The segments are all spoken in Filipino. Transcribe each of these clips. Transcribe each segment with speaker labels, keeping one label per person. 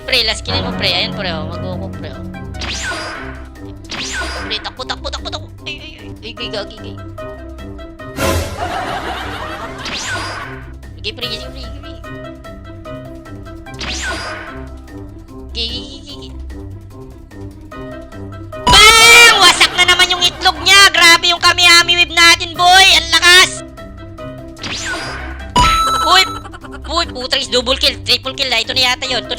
Speaker 1: pre. Last killin mo, pre. Ayan, pre. Mag-go, pre. Pre, takbo. Ay, gagi. Sige, pre. Gigi. Bang! Wasak na naman yung itlog niya. Grabe yung kami-ami whip natin, boy. Ang lakas. Uy, putragis, double kill, triple kill na. Ito na yata yun.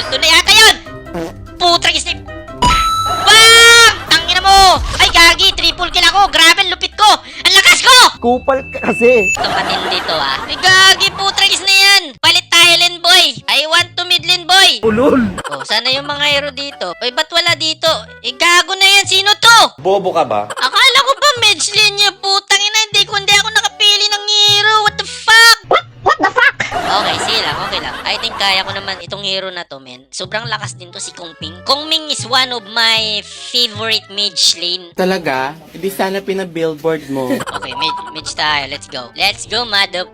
Speaker 1: Putragis na. Bang! Tangina mo. Ay, gagi, triple kill ako. Grabe, ang lupit ko. Ang lakas ko.
Speaker 2: Kupal ka kasi.
Speaker 1: Ito matindi to, ah. Ay, gagi, putragis na yan. Palit tayo, Lin boy. I want to mid lane, boy.
Speaker 2: Ulol.
Speaker 1: Oh, sana yung mga hero dito. Ay, ba't wala dito? Eh, gago na yan. Sino to?
Speaker 3: Bobo ka ba?
Speaker 1: Akala ko ba mage lane niya? Putang ina, hindi ako nakapili ng hero. What the fuck?
Speaker 4: What the fuck?
Speaker 1: Okay, sige lang, okay lang. I think kaya ko naman itong hero na to, men. Sobrang lakas din to si Kong Ming. Kong Ming is one of my favorite mage lane.
Speaker 2: Talaga? Hindi sana pina-billboard mo.
Speaker 1: Okay, mage tayo. Let's go. Let's go, mother.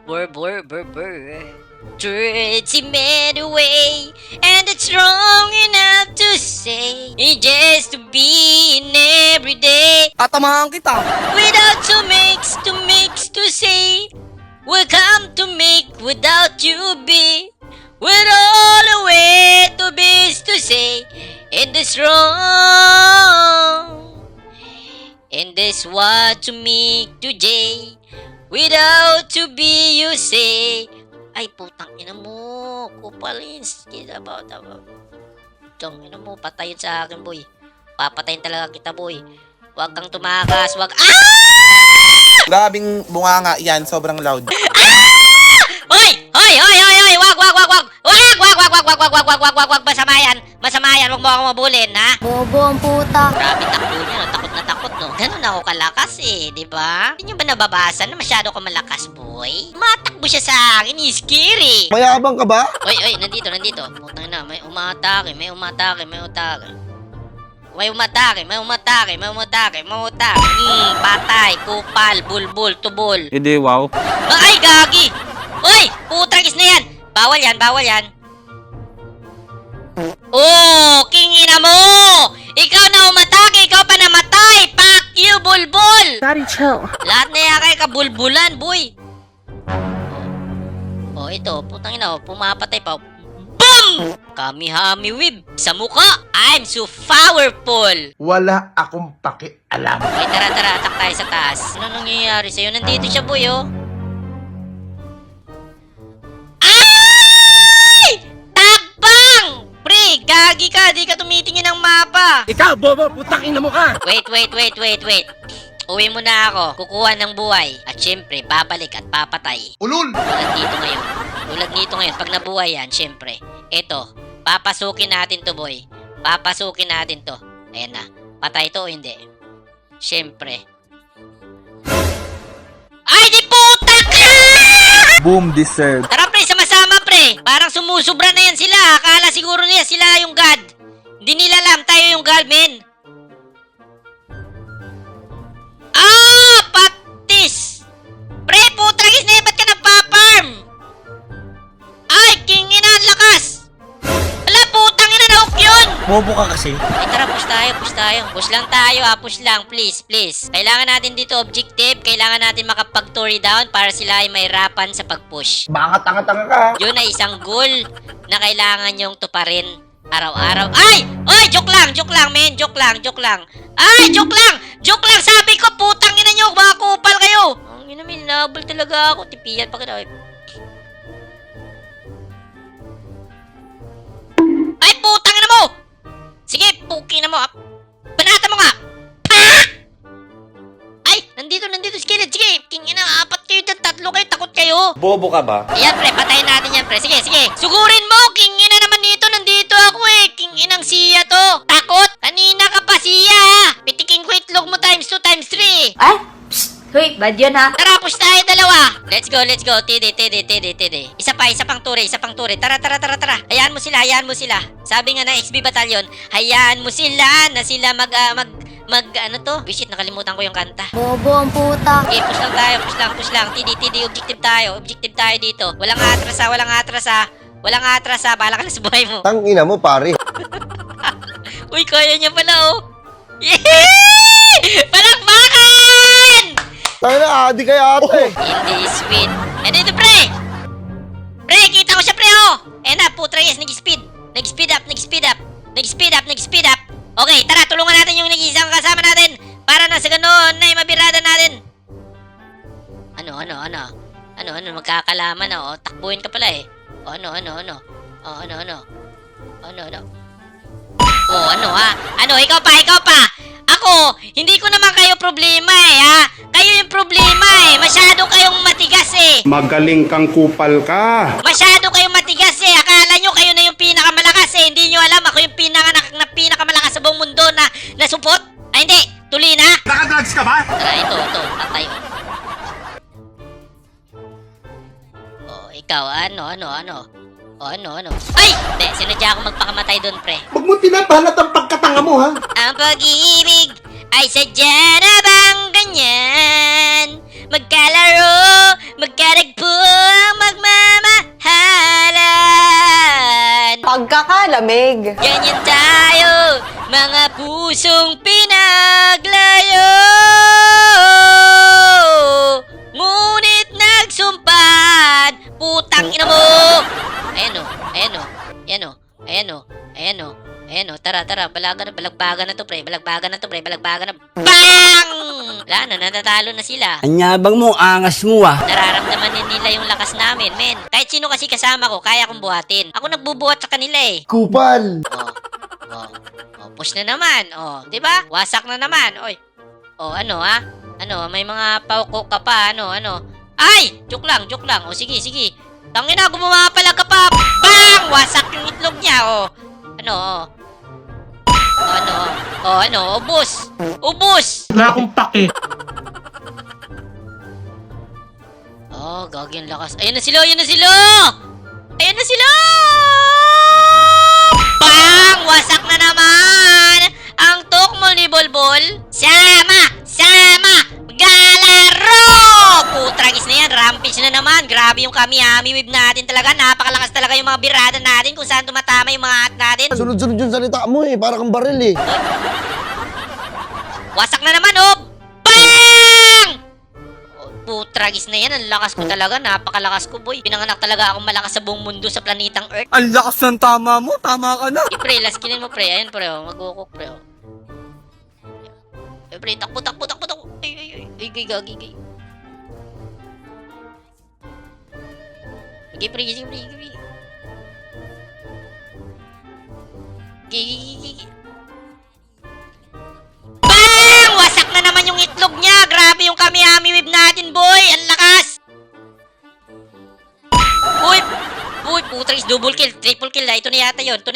Speaker 1: It's made away, and it's wrong enough to say just to be in every day
Speaker 2: Tatamahan kita.
Speaker 1: without to mix to say we'll come to make without you be with all the way to be to say in this wrong in this what to make today without to be you say. Ay, putang ina mo. Kupalins. Tangina mo, patayin sa akin, boy. Papatayin talaga kita, boy. Huwag kang tumakas. Huwag... Ah!
Speaker 5: Grabing bunganga yan, sobrang loud.
Speaker 1: Hoy! Wag! Masama yan. Huwag mo ako mabulin, ha?
Speaker 4: Bobo ang puta.
Speaker 1: Grabe, takbo niya, no? Takot, no? Ganun ako kalakas, eh. Di ba? Hindi nyo ba nababasa na masyado ka malakas, boy? Matakbo siya sa akin, scary.
Speaker 5: Mayabang ka ba?
Speaker 1: Oy, nandito. Putang na, may umatake. Patay, kupal, bulbul, tubol.
Speaker 2: Hindi, wow.
Speaker 1: Ay, gagi! Oy, putragis na yan. Bawal yan. Oh, kingina mo! Ikaw na umatake, ikaw pa namatay. Fuck you, bulbul!
Speaker 4: Daddy, chill.
Speaker 1: Lahat na yan kay kabulbulan, boy. Oh, ito, putang ina, pumapatay pa. Boom! Kami-hami whip sa mukha. I'm so powerful.
Speaker 5: Wala akong pakialam.
Speaker 1: Okay, tara, atak tayo sa taas. Ano nangyayari sa'yo? Nandito siya, boy, oh. Ay! Tabang! Pre, gagi ka. Di ka tumitingin ng mapa.
Speaker 2: Ikaw, bobo, putang ina mo ka.
Speaker 1: Wait. Uwi mo na ako. Kukuha ng buhay. At syempre, babalik at papatay.
Speaker 5: Ulul!
Speaker 1: Tulad nito ngayon. Pag nabuhay yan, syempre. Eto, papasukin natin to, boy. Papasukin natin to. Ayan na. Patay to o hindi? Syempre. Ay, di puta ka!
Speaker 2: Boom, deserve.
Speaker 1: Tara, pre, sama-sama, pre. Parang sumusubra na yan sila. Akala siguro nila sila yung God. Hindi nila alam tayo yung God, men. Ah, patis! Pre, putragis na yan. Ba't ka nagpa-farm? Ay, kingina, ang lakas! Ala, putang ina, na-hook yun!
Speaker 5: Bobo ka kasi.
Speaker 1: Ay, tara, push tayo. Push lang tayo, push lang, please. Kailangan natin dito objective, kailangan natin makapag-tory down para sila ay mahirapan sa pag-push.
Speaker 5: Baka tanga-tanga ka.
Speaker 1: Yun ay isang goal na kailangan yung tuparin araw-araw. Ay! Oy, joke lang, men. Joke lang. Ay, joke lang! Sabi ko, putang ina nyo, mga kupal kayo! Ang ina, may nabal talaga ako. Tipiyan pa kita. Ay, putang ina mo! Sige, puki na mo. Banata mo nga! Ah! Ay, nandito, skillet. Sige, king ina, 4 kayo dyan, 3 kayo, takot kayo.
Speaker 3: Bobo ka ba?
Speaker 1: Ayan, pre, patayin natin yan, pre. Sige. Sugurin mo, king ina naman dito, nandito ako eh. King inang siya to. Takot? Kanina ka pa siya, ha? Pitikin ko itlog mo times 2, times 3.
Speaker 4: Ay, psst. Hoy, bad yun ha.
Speaker 1: Tara, push tayo dalawa. Let's go. Tidi. Isa pang turi. Tara. Hayaan mo sila. Sabi nga ng XB Battalion, hayaan mo sila na sila ano to? Bisit, nakalimutan ko yung kanta.
Speaker 4: Bobo ang puta.
Speaker 1: Okay, push lang. Tidi, objective tayo dito. Walang atras ha. Walang atras ha. Bahala ka na sa buhay mo.
Speaker 5: Tangina mo, pare.
Speaker 1: Uy, kaya niya pala, oh. Yehey! Palakpakan!
Speaker 5: Tangina, adi kaya ate.
Speaker 1: Hindi sweet. And ito, pre! Pre, kita ko siya, pre, oh! Eh na, putra, yes, nag-speed. Nag-speed up, nag-speed up. Nag-speed up, nag-speed up. Okay, tara, tulungan natin yung nag-iisang kasama natin para na sa ganoon na mabirada natin. Ano, magkakalaman na, oh. Takbuhin ka pala, eh. Oh, ano. Oh, ano, ha? Ano, ikaw pa. Ako, hindi ko naman kayo problema, eh, ha? Kayo yung problema, eh. Masyado kayong matigas, eh.
Speaker 3: Magaling kang kupal ka.
Speaker 1: Masyado kayong matigas, eh. Akala nyo kayo na yung pinakamalakas, eh. Hindi nyo alam ako yung pinakamalakas sa buong mundo na support. Ay, hindi. Tuloy na.
Speaker 5: Nakadrugs ka ba?
Speaker 1: Tara, ito. Patay, oh. Oh, ikaw, ano. Oh, ano. Ay! Hindi, sinadya ako magpakamatay doon, pre.
Speaker 5: Huwag mo pinapalat ang pagkatanga mo, ha?
Speaker 1: Ang pag-ibig ay sadya na bang ganyan? Magkalaro, magkaragpo ang magmamahalan.
Speaker 6: Pagkakalamig.
Speaker 1: Ganyan tayo, mga pusong pinaglayo. Ngunit nagsumpad, putang ina mo. Ayan o, tara, balagbagan na to, pre. Bang! Wala na, natatalo na sila.
Speaker 2: Anyabang mo, angas mo ah.
Speaker 1: Nararamdaman din nila yung lakas namin, men. Kahit sino kasi kasama ko, kaya kong buhatin. Ako nagbubuhat sa kanila, eh.
Speaker 5: Kupal.
Speaker 1: Push na naman. Di ba? Wasak na naman. Oy. Ano, ha? Ano, may mga pauko ka pa, ano. Ay! Joke lang. Sige. Tangina, gumawa pala ka pa. Bang! Wasak yung itlog niya, Ubus!
Speaker 2: Wala akong pake.
Speaker 1: Gagi ang lakas. Ayan na sila! Bang! Wasak na naman! Ang tukmol ni Bolbol. Sama! Galaro! Putragis na yan. Rampage na naman. Grabe yung kami-ami wave natin talaga. Napakalakas talaga yung mga birada natin kung saan tumatama yung mga at natin.
Speaker 5: Sunod-sunod yung salita mo, eh. Para kang baril, eh.
Speaker 1: Wasak na naman, oh! Bang! Putragis na yan. Ang lakas ko talaga. Napakalakas ko, boy. Pinanganak talaga akong malakas sa buong mundo sa planetang Earth.
Speaker 2: Ang lakas ng tama mo, tama ka na.
Speaker 1: Pre, last killin mo, pre. Ayun, pre, mag-cook, pre, Pre, takbo. Ay, gagi. Sige, pre. Gigi. Bang! Wasak na naman yung itlog niya. Grabe yung kami-ami wave natin, boy. Ang lakas. Uy, putragis. Double kill, triple kill. Ito na yata yun.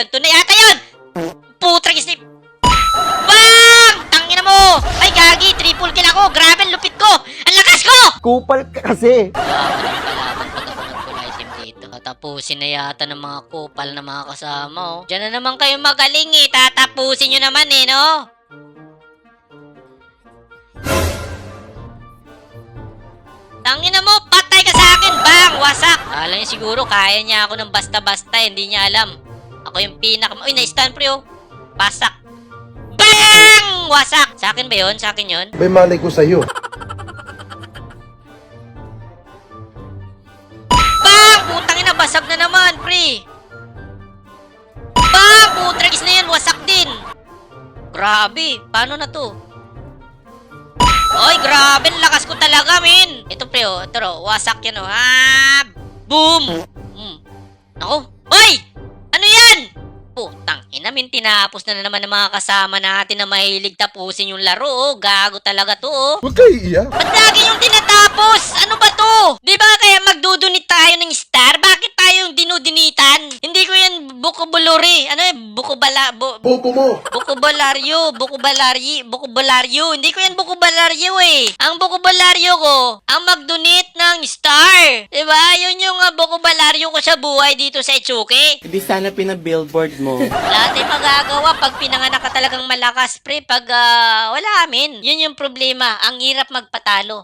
Speaker 1: Putragis ni... Bang! Tangina mo! Ay, gagi. Triple kill ako. Grabe, ang lupit ko. Ang lakas ko!
Speaker 5: Kupal ka kasi.
Speaker 1: Tatapusin na yata ng mga kupal na mga kasama, oh. Diyan na naman kayo magaling, eh. Tatapusin nyo naman, eh, no? Tangina mo, patay ka sa akin, bang! Wasak! Alam niya siguro, kaya niya ako ng basta-basta, hindi niya alam. Ako yung Uy, na-stun, pre, oh. Pasak. Bang! Wasak! Sa akin ba yun?
Speaker 5: May malay ko sa'yo.
Speaker 1: Bang! Putang ina, basag na naman, pre. Bang! Putragis na yan, wasak din. Grabe, paano na to? Oy, grabe, ang lakas ko talaga, min. Ito, pre, oh. Ito, wasak yan, oh. Boom! Ako. Oy! Ano yan? Putang ina, min, tinapos na naman ng mga kasama natin na mahilig tapusin yung laro, oh. Gago talaga to, oh.
Speaker 5: Huwag kayo iiyak.
Speaker 1: Ba't lagi yung tinatapos? Ano ba to? Di ba kaya magdudunit tayo ng star? Bakit tayo yung dinudinitan? Hindi ko yan bukubuluri. Ano eh?
Speaker 5: Bobo mo.
Speaker 1: Bukubalaryo. Hindi ko yan bukubalaryo, eh. Ang bukubalaryo ko, ang magdunit ng star. Diba? Yun yung bukubalaryo ko sa buhay dito sa Itsuki.
Speaker 2: Hindi sana pina-billboard mo.
Speaker 1: Wala tayong magagawa pag pinanganak ka talagang malakas, pre. Pag wala amin. Yun yung problema. Ang hirap magpatalo.